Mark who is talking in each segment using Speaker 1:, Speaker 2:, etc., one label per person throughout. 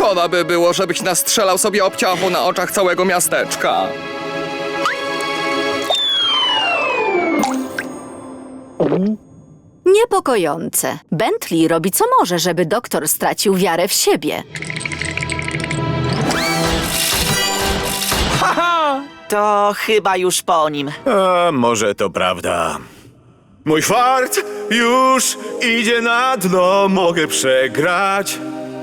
Speaker 1: Szkoda by było, żebyś nastrzelał sobie obciachu na oczach całego miasteczka.
Speaker 2: Niepokojące. Bentley robi co może, żeby doktor stracił wiarę w siebie.
Speaker 3: To chyba już po nim.
Speaker 4: A może to prawda. Mój fart już idzie na dno. Mogę przegrać.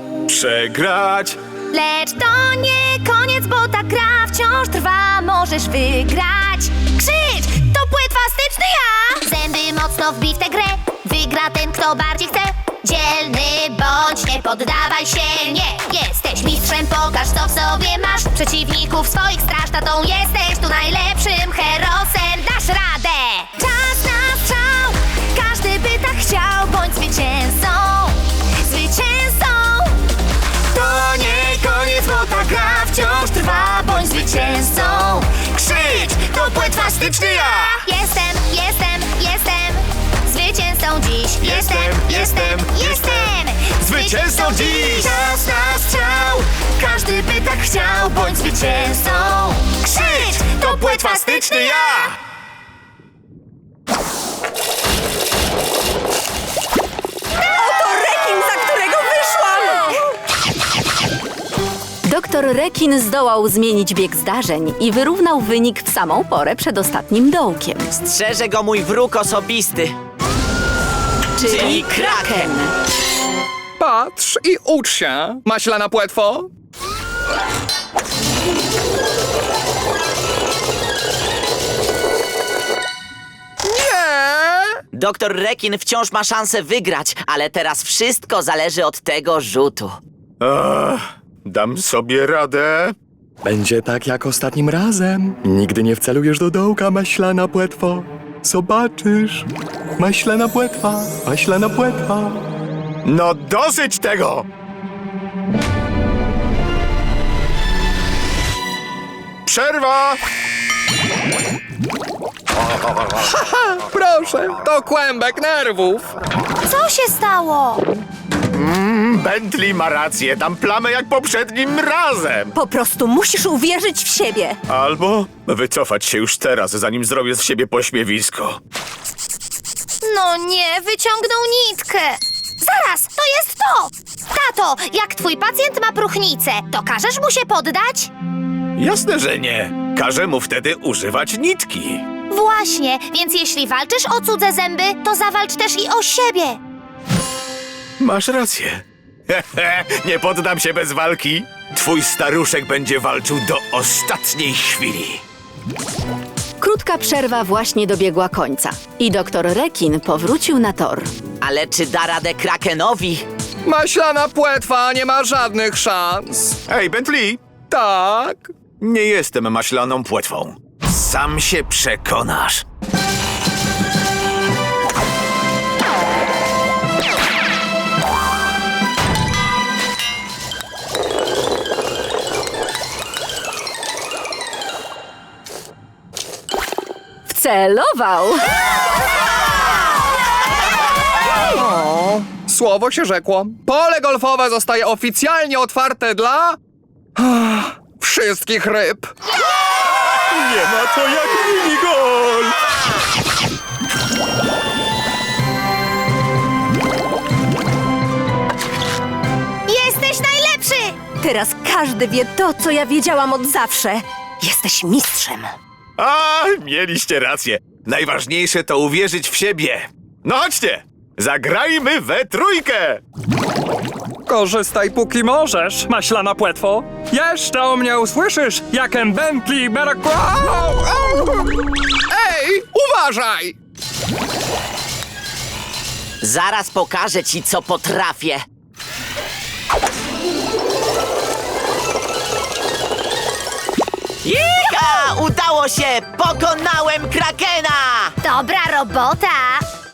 Speaker 5: Lecz to nie koniec, bo ta gra wciąż trwa. Możesz wygrać. Krzycz! To płetwastyczny ja! Zęby mocno wbij w tę grę. Wygra ten, kto bardziej chce. Dzielny bądź, nie poddawaj się, nie. Jesteś mistrzem, pokaż, co w sobie masz. Przeciwników swoich straż, tatą jesteś tu najlepszym herosem. Dasz radę! Czas na strzał! Każdy by tak chciał, bądź zwycięzcą. Zwycięzcą! To nie koniec, bo ta gra wciąż trwa. Bądź zwycięzcą. Krzycz! To płetwastyczny ja! Jestem zwycięzcą dziś. Jestem
Speaker 4: Zwycięzcą dziś!
Speaker 5: Czas na strzał! Każdy by tak chciał, bądź zwycięzcą. Krzycz! To płetwastyczny ja!
Speaker 2: Doktor Rekin zdołał zmienić bieg zdarzeń i wyrównał wynik w samą porę przed ostatnim dołkiem.
Speaker 3: Strzeże go mój wróg osobisty.
Speaker 2: Czyli Kraken.
Speaker 1: Patrz i ucz się, maślana płetwo. Nie!
Speaker 3: Doktor Rekin wciąż ma szansę wygrać, ale teraz wszystko zależy od tego rzutu.
Speaker 4: Dam sobie radę.
Speaker 1: Będzie tak jak ostatnim razem. Nigdy nie wcelujesz do dołka, maślana płetwo. Zobaczysz. Maślana płetwa, maślana płetwa.
Speaker 4: No dosyć tego! Przerwa!
Speaker 1: Proszę, to kłębek nerwów.
Speaker 5: Co się stało?
Speaker 4: Bentley ma rację, dam plamę jak poprzednim razem.
Speaker 2: Po prostu musisz uwierzyć w siebie.
Speaker 4: Albo wycofać się już teraz, zanim zrobię z siebie pośmiewisko.
Speaker 5: No nie, wyciągnął nitkę. Zaraz, to jest to! Tato, jak twój pacjent ma próchnicę, to każesz mu się poddać?
Speaker 4: Jasne, że nie. Każę mu wtedy używać nitki.
Speaker 5: Właśnie, więc jeśli walczysz o cudze zęby, to zawalcz też i o siebie.
Speaker 4: Masz rację. Nie poddam się bez walki. Twój staruszek będzie walczył do ostatniej chwili.
Speaker 2: Krótka przerwa właśnie dobiegła końca i doktor Rekin powrócił na tor.
Speaker 3: Ale czy da radę Krakenowi?
Speaker 1: Maślana płetwa nie ma żadnych szans.
Speaker 4: Ej, Bentley!
Speaker 1: Tak?
Speaker 4: Nie jestem maślaną płetwą. Sam się przekonasz.
Speaker 2: Wcelował!
Speaker 1: Słowo się rzekło. Pole golfowe zostaje oficjalnie otwarte dla... wszystkich ryb.
Speaker 4: Nie ma to jak minigol!
Speaker 5: Jesteś najlepszy!
Speaker 2: Teraz każdy wie to, co ja wiedziałam od zawsze. Jesteś mistrzem.
Speaker 4: A, mieliście rację. Najważniejsze to uwierzyć w siebie. No chodźcie! Zagrajmy we trójkę!
Speaker 6: Korzystaj póki możesz, maślana płetwo. Jeszcze o mnie usłyszysz, jakem Bentley Berakła...
Speaker 1: Ej, uważaj!
Speaker 3: Zaraz pokażę ci, co potrafię. Jika! Udało się! Pokonałem Krakena!
Speaker 5: Dobra robota!